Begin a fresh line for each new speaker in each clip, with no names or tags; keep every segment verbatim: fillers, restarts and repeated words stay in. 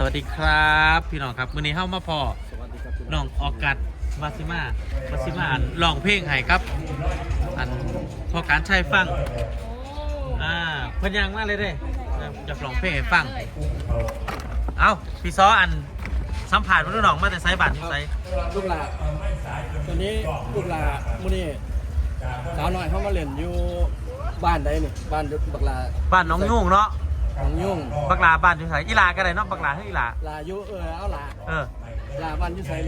วัสดีครับพี่น้องครับวันนี้เข้ามาพอน้องออกัสวาซิมา วาซิมาอันร้องเพลงให้ครับอันพอการใช้ฟังอ่าเพิ่นยังมาเลยเด้อยากร้องเพลงให้ฟังเอ้าพี่ซออันสัมผัสมันน้องมาแต่ไซบัตรไซ
ลูกหลาตอนนี้ลูกหลามื้อนี้สาวน้อยเขามาเล่นอยู่บ้านใดนี่บ้านบักลา
บ้านน้องยุ่งเนาะ
น้องยุ่ง
บักลาบ้านอยู่ไสอีลาก็ได้เนาะบักลาให้อีลา
ลาอยู่เออเอาลา
เออ
ลาบ้านอยู่ไสเลย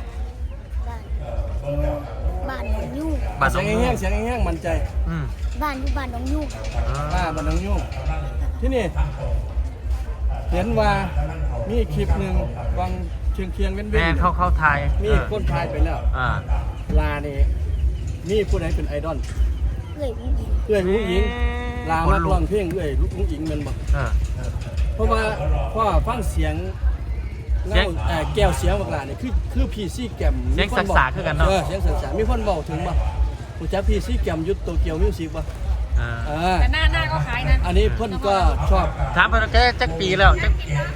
บ้านหนองยุ่ง
บ้านน้
เสี
อย ง
ง
ยุ่
แห้
ง
งเสียงแห้งมันใจ
อืม
บ้านอยู่บ้านหนองยุ่ง
ลาบ้านน้องยุ่งที่นี่เห็นว่ามีคลิปหนึงวางเชียงเคียงๆเว้น
แม่เข้าเข้าไทย
มีคนทายไปแล้ว
อ่า
ลานี่มีผู้ใดเป็นไอดอล
เอ้ยผู้หญิง
เอื้อยลูกหญิงลามาร้องเพลงเอื้อยลูกหญิงแม่นบ่
เออ
เพราะว่าเพราะว่าฟังเสียง
เสียง
เอ่อแก้วเสียงบักหลานี่คือคือพีซี่แกม
เสียงสักษาคือกันเนาะ
เออเสียงสักษามีคนบอกถึงบ่รู้จักพีซี่แกมยุทธโตเกียวมิวสิกบ่
อ่า
เออ
แต่หน้าหน้าก็คล้ายนะ
อันนี้เพิ่นก็ชอบ
ถามเพิ่นว่าแกจักปีแล้วจัก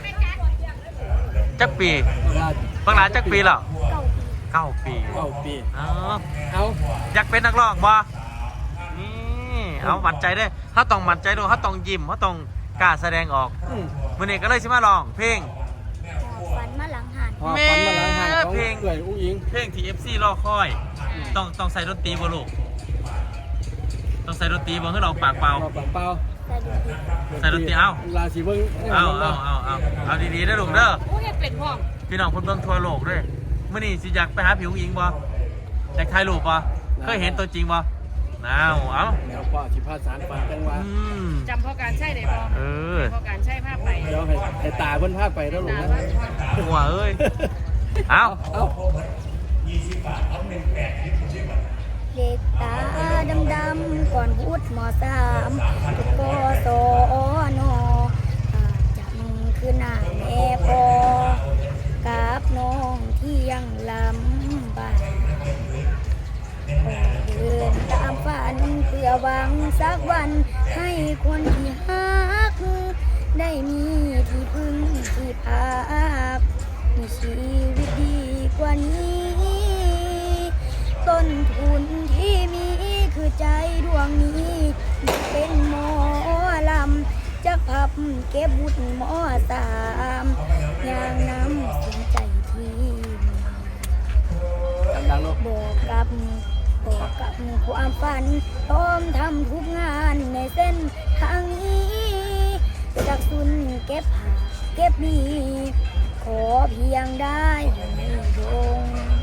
จักปี
บักหลา
บางหลานจักปีแล้ว
เก่าปี
เก้าปี
เก้าปี
อ๋อ
เอา
อยากเป็นนักร้องบ่นี่เอามั่นใจได้ถ้าต้องมั่นใจด้วยถ้าต้องยิ้มถ้าต้องกล้าแสดงออก
อืม
มื้อนี้ก็เลยสิมาร้องเพลง
ฝันมาหลังหัน
พอฟันมาหลังหางของ
เพลง
เอื้อยอุ้งอิง
เพลงที่ เอฟ ซี รอคอย ต้องต้องใส่ดนตรีบ่ลูกต้องใส่ดนตรีบ่ให้เราปากเปล่า
เอาเปล่าเปล่า
แต่ดูดี
ใส่ดนตรีเอา
ลาสิเบิ่ง
เอาเอาเอาเอาเอาดีๆนะลูกเด้อ
ผู้เห็นเป็นพ่อ
พี่น้องเพิ่นเบิ่งทั่วโลกด้วยมื้อนี้สิอยากไปหาผิวหญิงบ่อยากถ่ายรูปบ่เคยเห็นตัวจริงบ่เอาเอา
แล้วพ่อสิพาสารฝันจังว่า
อืม
จำพ่อการใช่ได้พ่อ
เออ
พ่อการใช่ภาพไป
เดี๋ยวให้ให้ตาเพิ่นพาไปแล้วลูก
ตา
นะ
ว่า
หัวเอ้ย เอา
เอา
เด็กตาดำๆก่อนพูดมสามตุกโกโซโนอาจังคือหน้าแม่พอกับน้องที่ยังลำบากเดินตามฝันเพื่อหวังสักวันให้คนที่ฮัก ได้มีที่พึ่งที่พักมีชีวิตดีกว่านี้ ต้นทุนที่มีคือใจดวงนี้เป็นหมอลำจะพับเก็บบุญหมอสามอย่างน้ำสนใจที่
ดังๆลูก
บอกกับบอกกับความฝันพร้อมทำทุกงานในเส้นทางนี้จากสุนเก็บหาเก็บมีขอเพียงได้อยู่ในดง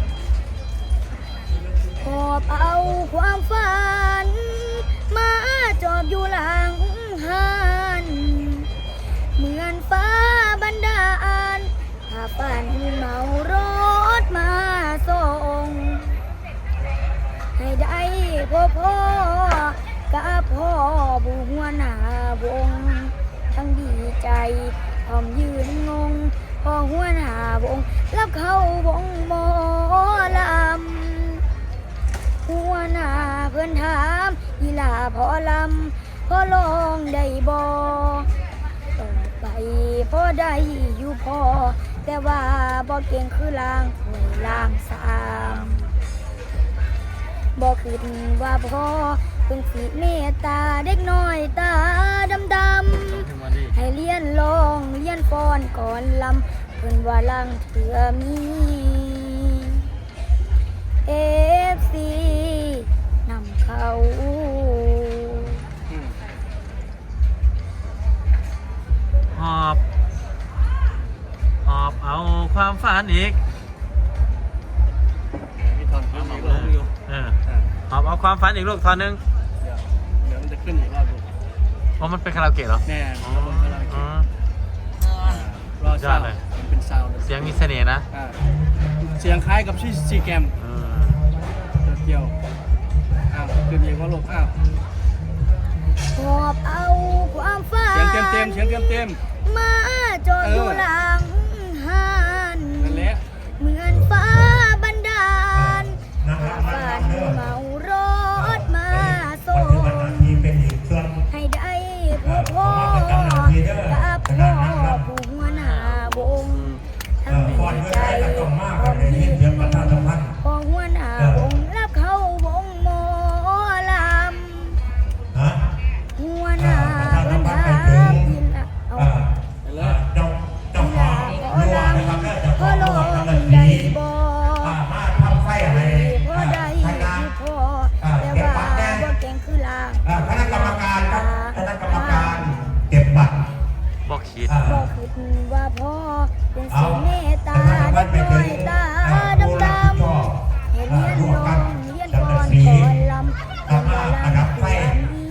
ขอบเอาความฝันมาจอบอยู่หลังหันเหมือนฟ้าบันดาลพาฝันเมารถมาส่งให้ได้พ่อพ่อกับพ่อบุหัวหน้าวงทั้งดีใจพร้อมยืนงงพอหัวหน้าวงรับเข้าวงหมอลำหัวหน้าเพื่อนถามอีหลาพอลำพอลองได้บ่ต่อไปพอได้อยู่พอแต่ว่าบ่เก่งคือลางหวยลางสามบ่คิดว่าพ่อเพิ่งสิเมตตาเด็กน้อยตาดำๆให้เลี้ยนลองเลี้ยนฟ้อนก่อนลำเพิ่นว่าลังเถื่อมีเอฟซีนำเขา
หอบหอบเอาความฝันอีก
มีทอนขึ้นอีกรอบอยู่
เออ
อ่า
หอบเอาความฝันอีกลูกตอนนึง
เดี๋ยวเดี๋ยวมันจะขึ้นอีกรอบดู
เพราะมันเป็นคาราโอเกะเหรอ
แน่
อ๋
ระบบคาราโอ
อ
เกะรอซาวด์มันเป็นซาวด์
เสียงมีเสน่ห์นะ
อ่าเสียงคล้ายกับที่ซีแกม
เออ
เกี่ยวอ้าวขึ้นอีกว่าลูกอ้าว
หอบเอาความฝัน
เสียงเต็มเต็มๆเสียงเต็มเต็ม
มาจอดอยู่หลังหัน
ๆนั่นแหละ
เหมือนฟ้าบันดาลฝันเมารถมาส่งให้ได้พ่อพ่อกับพ่อผู้หัวหน้าวงว่าพ่อเป็นสีเมตตาเด็กน้อยตาดำดำเห็นเลี้ยนลงเลี้ยนก่อนก่อนลำก่อนลำก่อนนี้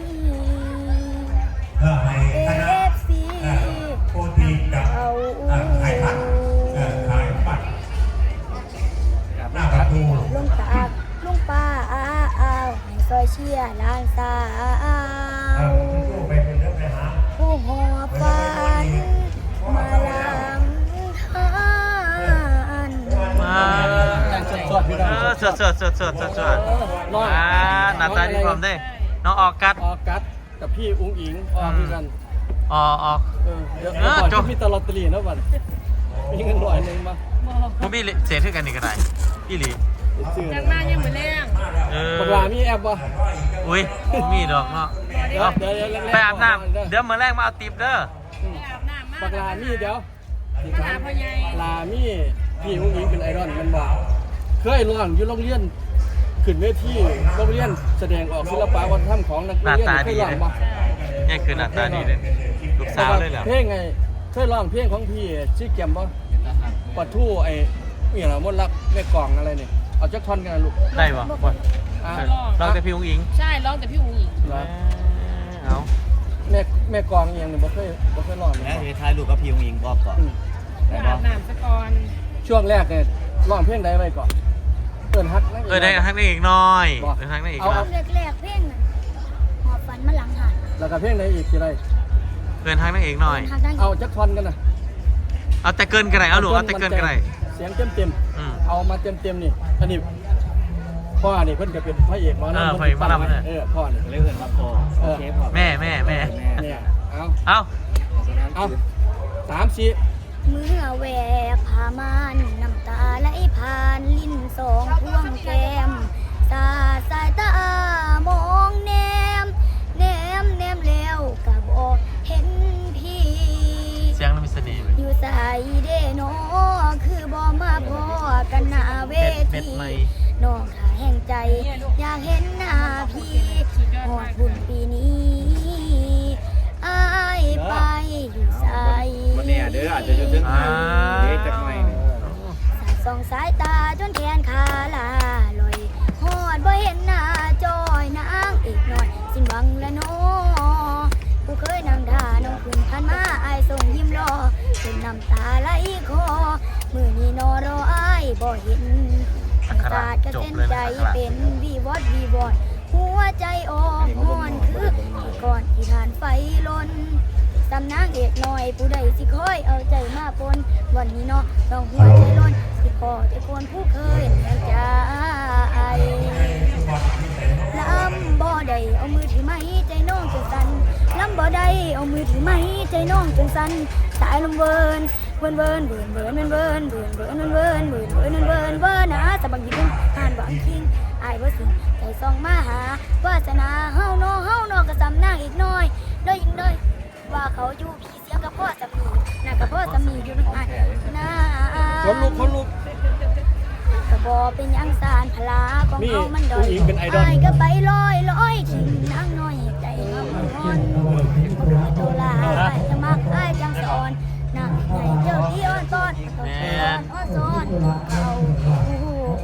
เอฟซีเอา
หน้าประตู
ลุงตากลุงป้าอาเอาให้ซอยเชียร์หลานสาวผู้หอบฝันมาลังทาน
มา
สดๆพี่น้อง
เออสดสดสดสดสดสดอ่าหน้าตาดีพร้อมได้น้องออกกัด
ออกัสกับพี่อุ้งอิงออกด้วยกัน
ออกออก
เออเดี๋ยว
เออ
ก่อน
จบ
ที่มีตลอดตลีนะบัดมีเงินร้อยหนึ่งมา
ผมมีเศษขึ้นกันอีกกระไรพี่หลี
ซื้อ
จังมายังเหมือนแรง
เออ
บักลามีแอปบ่
อุ้ยมีดอกเนาะ
เดี๋ยว
เอา
เดี๋ยวเดี๋ยว
ไปอาบน้ำเดี๋ยวมื้อแรกมาเอาติปเด้อ
อืม
ไปอาบน้ำมา
บักลามีเดี๋ยวที่
มา
ถา
หาม พ่อใหญ่
ลามีพี่อุ้งอิงเป็นไอดอลมันบอกเคยร้องอยู่โรงเรียนขึ้นเวทีโรงเรียนแสดงออกศิลปะวัฒนธรรมของนัก
หน้า
เรียน
ตา
เค
ดี
ยร้อง
เลย
บ่
นี่คือหน้าตาดีเลยลูกสาวเลยเหรอ
เพลงไงเคยร้องเพลงของพี่ชื่อแกมบ่ปัดทู่ไอ้นี่เหรอมดรักแม่กล่องอะไรเนี่ยเอาจักท่อนกันนะลูก
ได้ปะบ่
อ่ะ
เราแต่พี่อุ้งอิง
ใช่ร้องแต่พี่อู๋หญิง
เหรอ
เอา
แม่แม่กลองเองเนี่ยบ่เคยบ่เคยร้องเลย
แล้วเฮทายลูกกับพี่องอิงบอกก่อน
อืม
ได้
อา
ปะ
บน้ำสะก่อน
ช่วงแรกเนี่ยร้องเพลงใดไว้ก่อนเอิ้นฮักนั่ง
เออได้ทักได้อีกหน้อยได้ทักได้อีกหน้อย
แรกๆเพลงน่ะหอบฝันมาหลังหัน
แล้วก็เพลงใดอีกทีไร
เกินทักได้อีกหน่อย
หักดัง
เอาจักท่อนกันนะ
เอาแต่เกินกันไหนเอาหนูเอาแต่เกินกันไหน
เสียงเต็มเต็มๆ
อืม
เอามาเต็มเต็มๆนี่อันนี้พ่อนี่เพิ่นก็เป็นพระเอกหมอ
เออ
ลำ
พระเอกหมอลำเนี่ย
เออพ่อนี่
เลยเหินมาพอโอเคพอ
แม่แม่แม่
เนี่ยเอา
เอา
เอาสามสี่
เมื่อแหวกผ้ามานน้ำตาไหลผ่านลิ้นสองพวงแก้มตาสายตามองแนมแนมแนมแล้วก็บอกเห็นพี่
เสียงเรามีเสน่ห์ไหม
อยู่ใส่เด้นอคือบ่มาพอกันหน้าเว
เม็ดเม็ด
ที
ไม่
น้องขาแห่งใจ อยากเห็นหน้าพี่หอดบุญปีนี้อายไปอยู่ใส่
วันนี้เด้ออาจจะอยู่ถึง
อ่า
เด้จักหน่อย
สายส่องสายตาจนแขนขาลาลอยหอดบ่เห็นหน้าจอยนางอีกหน่อย สิ้นหวังและน้อผู้เคยนั่งท่าน้องขึ้นพันมาอายส่งยิ้มรอจนน้ำตาไหลคอมือนี้นอรออายบ่เห็น
อัคระ
ศาสตร์กระ
จบ
เซ็น
เลย
ใจ
นะอัคระ
เป็นวีวอดวีวอดหัวใจอ่อนหอนคือก่อนที่ทานไฟลนตำนางเอกน้อยผู้ใดสิคอยเอาใจมาปนวันนี้เนาะต้องหัวใจล้นสิขอใจคนผู้เคยแห่งใจลำบ่ได้เอามือถือไม้ใจน้องจนสั่นลำบ่ได้เอามือถือไม้ใจน้องจนสั่นสายลมเวินเวินเวินเวินเวินเวินเวินเวินเวินเวินเวินเวินเวินเวินเวินนะสะบังยิ้มผ่านหวังคิงอายว่าสิใจส่องมาหาวาสนาเฮาเนาะเฮาเนาะก็สำนางอีกน้อยเด้อยิงเด้อว่าเขาอยู่พี่เสียงกับพ่อสามีน่ะกับพ่อสามีอยู่นึงอันนะ
คนลุกคนลุก
ก็บอเป็นหยังสารพลาของ
นี่
เขามันดอย
ผู้หญิงเป็นไอดอล
ายก็ไปลอยลอยทิ้งนางน้อยใจเฮามันร้อนบ่เคยตัวลาอ้ายจะมักอ้ายจังสอนนางใหญ่เจ้าที่อ้อนตอนต้องสอนอ้อนสอนเขาโอ้โห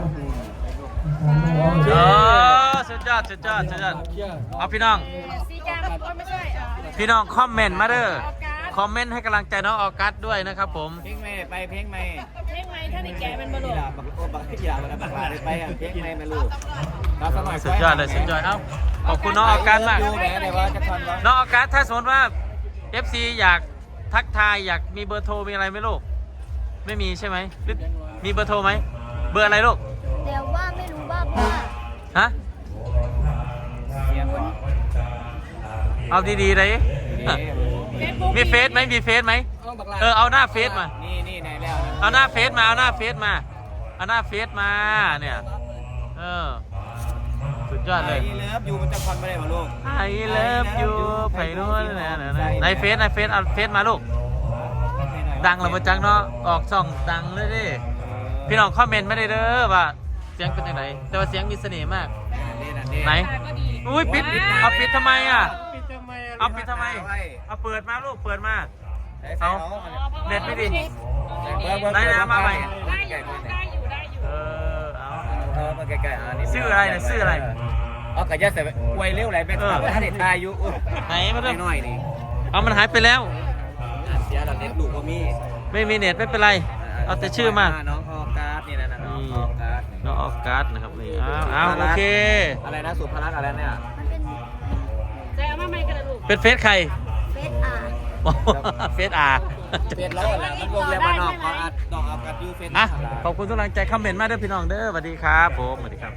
เออสุดยอดสุดยอดสุดยอด
เคลียร์
เอาพี่น้อง
สีกาโอ้ยไม่ใช่อ่ะ
พี่น้องคอมเมนต์มาเด้อคอมเมนต์ให้กำลังใจน้องออกัสด้วยนะครับผม
เพลงไม่ไปเพลงไม่
เพลงไหมถ้าในแกเป็นบอล
กี
ลู
ฬาบักโอ้บักกีฬาบักบักลาได้ไปอ่ะเพลงไม่มาลูกเราสมัย
สุดยอดเลยสุดยอดเอ้าขอบคุณน้องออกัสมาก
ดูแม่เลยว่าจะทอนว่า
น้องออกัสถ้าสมมติว่า เอฟ ซี อยากทักทายอยากมีเบอร์โทรมีอะไรไหมลูกไม่มีใช่ไหมหรือมีเบอร์โทรไหมเบอร์อะไรลูก
แต่ว่าไม่รู้ว่าว่า
ฮะ
เสียงก่อน
เอาดีๆเลย
เฟซบุ๊ก
มีเฟซไหมมีเฟซไหม
เอาบักลา
เออเอาหน้าเฟซมา
นี่นี่ไหนแล้ว
เอาหน้าเฟซมาเอาหน้าเฟซมาเอาหน้าเฟซมาเนี่ยเออสุดยอดเลย
ไอ้เลิฟอยู่มันจะทอนไม่ได้ป่ะลูก
ไอเลิฟยูไผ่นวลนะนะนะในเฟซในเฟซเอาเฟซมาลูก ดังเราประจังเนาะออกช่องดังเลยดิพี่น้องคอมเมนต์ไม่ได้เด้อว่าเสียงเป็นยังไงแต่ว่าเสียงมีเสน่ห์มากไหน
ตาก็ดี
อุ้ยปิดเอาปิดทำไมอ่ะ
ปิดทำไม
เอาปิดทำไมเอาเปิดมาลูกเปิดมา
ไอ้
เอาเน็ตไม่ดี
ได้อยู่ได้อยู่
เออเอา
เออมาใกล้ๆอ่านี่
ชื่ออะไรเนี่ยชื่ออะไร
อ๋อกระยะใส่ไวเร็วไรแม่ถามว่าท่านเด็ดทายอยู่
ไหนมาดู
น้อยนี่
เอามันหายไปแล้ว
เสียหลังเน็ตลูกก็มี
ไม่มีเน็ตไม่เป็นไร เอาแต่ชื่อมา
น้องออกัสนี่นะน้องออกัส
น้องออกัสนะครับนี่เอาเอาโอเค
อะไรนะสุภรัตน์อะไรเนี่ย
มันเป็น
ใจเอามาใหม่กันนะลูก
เป็นเฟซใคร
เฟซอาร์
เฟซอา
เฟซเราแหละมันวงเล็บว่าน้องออกัสน้องออกัสยูเฟซ
อ่ะขอบคุณทุกกำลังใจคอมเมนต์มาด้วยพี่น้องเด้อสวัสดีครับผมสวัสดีครับ